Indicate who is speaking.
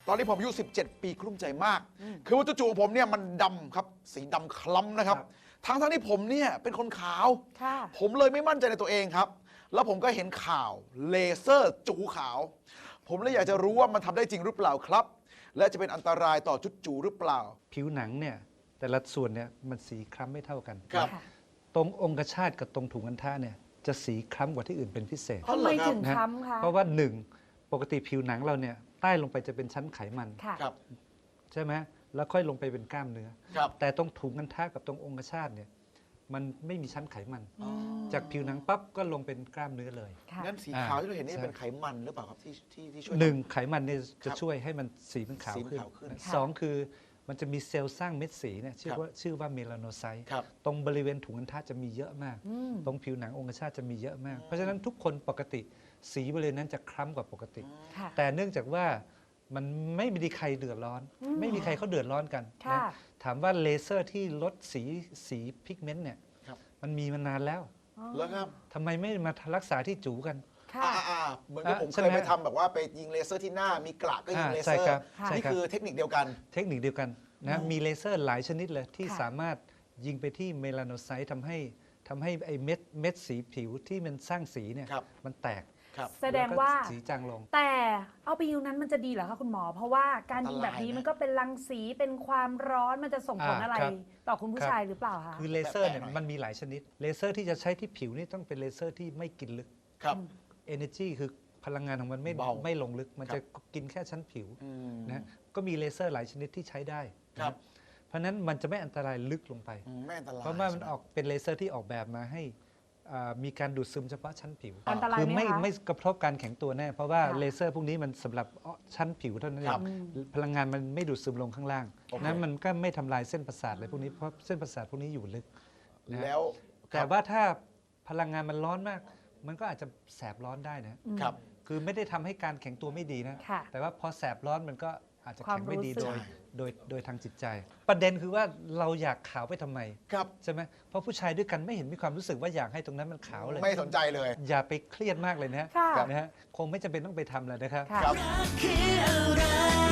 Speaker 1: ตอนนี้ผมอายุ17 ปีกลุ้มใจมาก คือว่าจู่ๆของผมเนี่ยมันดำครับสีดำคล้ำนะครับทั้งที่ผมเนี่ยเป็นคนขาวผมเลยไม่มั่นใจในตัวเองครับแล้วผมก็เห็นข่าวเลเซอร์จูขาวผมเลยอยากจะรู้ว่ามันทำได้จริงหรือเปล่าครับและจะเป็นอันตรายต่อจุดจูหรือเปล่า
Speaker 2: ผิวหนังเนี่ยแต่ละส่วนเนี่ยมันสีคล้ำไม่เท่ากัน
Speaker 1: ครับ
Speaker 2: ตรงองคชาตกับตรงถุงอัณฑะเนี่ยจะสีคล้ำกว่าที่อื่นเป็นพิเศษ
Speaker 3: ทำไมถึงคล้ำคะ
Speaker 2: เพราะว่าหนึ่งปกติผิวหนังเราเนี่ยใต้ลงไปจะเป็นชั้นไขมัน
Speaker 1: ครับ
Speaker 2: ใช่ไหมแล้วค่อยลงไปเป็นกล้ามเนื้อ
Speaker 1: ครับ
Speaker 2: แต่ตรงถุงอัณฑะกับตรงองคชาตเนี่ยมันไม่มีชั้นไขมัน จากผิวหนังปั๊บก็ลงเป็นกล้ามเนื้อเลย
Speaker 1: งั้นสีขาวที่เราเห็นนี่เป็นไขมันหรือเปล่าครับที่ช่วย
Speaker 2: หนึ่งไขมันเนี่ยจะช่วยให้มันสีมันขาว
Speaker 1: สีมัน
Speaker 2: ขึ้น
Speaker 1: ขาวขึ้น
Speaker 2: สองคือมันจะมีเซลล์สร้างเม็ดสีเนี่ยชื่อว่าเมลาโนไซต์
Speaker 1: ครับ
Speaker 2: ตรงบริเวณถุงอัณฑะจะมีเยอะมาก ตรงผิวหนังองคชาตจะมีเยอะมาก เพราะฉะนั้นทุกคนปกติสีบริเวณนั้นจะคล้ำกว่าปกติ แต่เนื่องจากว่ามันไม่มีใครเดือดร้อน ไม่มีใครเขาเดือดร้อนกันนะถามว่าเลเซอร์ที่ลดสีพิกเมนต์เนี่ยมันมีมานานแล้ว
Speaker 1: แล้วครับ
Speaker 2: ทำไมไม่มารักษาที่จูกัน
Speaker 1: เหมือนกับผมเคยไปทำแบบว่าไปยิงเลเซอร์ที่หน้ามีกระก็ยิงเลเซอ
Speaker 2: ใช่
Speaker 1: ร์
Speaker 2: ครับใช่
Speaker 1: นี่
Speaker 2: ครับ
Speaker 1: คือเทคนิคเดียวกัน
Speaker 2: เทคนิคเดียวกันนะมีเลเซอร์หลายชนิดเลยที่สามารถยิงไปที่เมลาโนไซต์ทำให้ไอ้เม็ดสีผิวที่มันสร้างสีเนี่ย
Speaker 1: ครับ
Speaker 2: มันแตก
Speaker 1: ครับ
Speaker 3: แสดงว่า
Speaker 2: ล้ก็สีจางลง
Speaker 3: แต่เอาไปยิงนั้นมันจะดีเหรอคะคุณหมอ เพราะว่าการยิงแบบนี้มันก็เป็นรังสีเป็นความร้อนมันจะส่งผลอะไร
Speaker 2: ครับ
Speaker 3: ต่อคุณผู้ชายหรือเปล่าคะ
Speaker 2: คือเลเซอร์เนี่ย
Speaker 1: แปลกๆหน่อย
Speaker 2: มันมีหลายชนิด เลเซอร์ที่จะใช้ที่ผิวนี่ต้องเป็นเลเซอร์ที่ไม่กินลึก
Speaker 1: ครับ
Speaker 2: Energy คือพลังงานของมันไม่
Speaker 1: เบา
Speaker 2: ไม่ลงลึก มัน
Speaker 1: ครับ
Speaker 2: จะกินแค่ชั้นผิว
Speaker 1: อืม
Speaker 2: นะก็มีเลเซอร์หลายชนิดที่ใช้ได้
Speaker 1: ครับ
Speaker 2: นะเพราะฉะนั้นมันจะไม่อันตรายลึกลงไป
Speaker 1: ไม่อันตราย
Speaker 2: เพราะว่ามันออกเป็นเลเซอร์ที่ออกแบบมาให้มีการดูดซึมเฉพาะชั้นผิว
Speaker 3: อันตราย
Speaker 2: คือ
Speaker 3: ไหมคะ
Speaker 2: ไม่กระทบการแข็งตัวแน่ เพราะว่า
Speaker 3: ค่ะ
Speaker 2: เลเซอร์พวกนี้มันสำหรับชั้นผิวเท่านั้นเอ
Speaker 1: ครั
Speaker 2: ง
Speaker 1: บ
Speaker 2: พลังงานมันไม่ดูดซึมลงข้างล่าง
Speaker 1: โอเค
Speaker 2: นั้นมันก็ไม่ทำลายเส้นประสาทอะไรพวกนี้เพราะเส้นประสาทพวกนี้อยู่ลึกนะ
Speaker 1: แล้ว
Speaker 2: แต่ว่าถ้าพลังงานมันร้อนมาก มันก็อาจจะแสบร้อนได้นะครับ คือไม่ได้ทำให้การแข็งตัวไม่ดีนะ
Speaker 3: ค่ะ
Speaker 2: แต่ว่าพอแสบร้อนมันก็อาจจะแข็งไม่ดี
Speaker 3: ความรู้สึก
Speaker 2: โดยทางจิตใจ ประเด็นคือว่าเราอยากขาวไปทำไม
Speaker 1: ครับ
Speaker 2: ใช่ไหมเพราะผู้ชายด้วยกันไม่เห็นมีความรู้สึกว่าอยากให้ตรงนั้นมันขาวเลย
Speaker 1: ไม่สนใจเลย
Speaker 2: อย่าไปเครียดมากเลยนะ
Speaker 3: ค่ะ
Speaker 2: นะฮะคงไม่จำเป็นต้องไปทำเลยนะครับ
Speaker 3: ค่ะ
Speaker 1: ครับ
Speaker 4: คืออะไร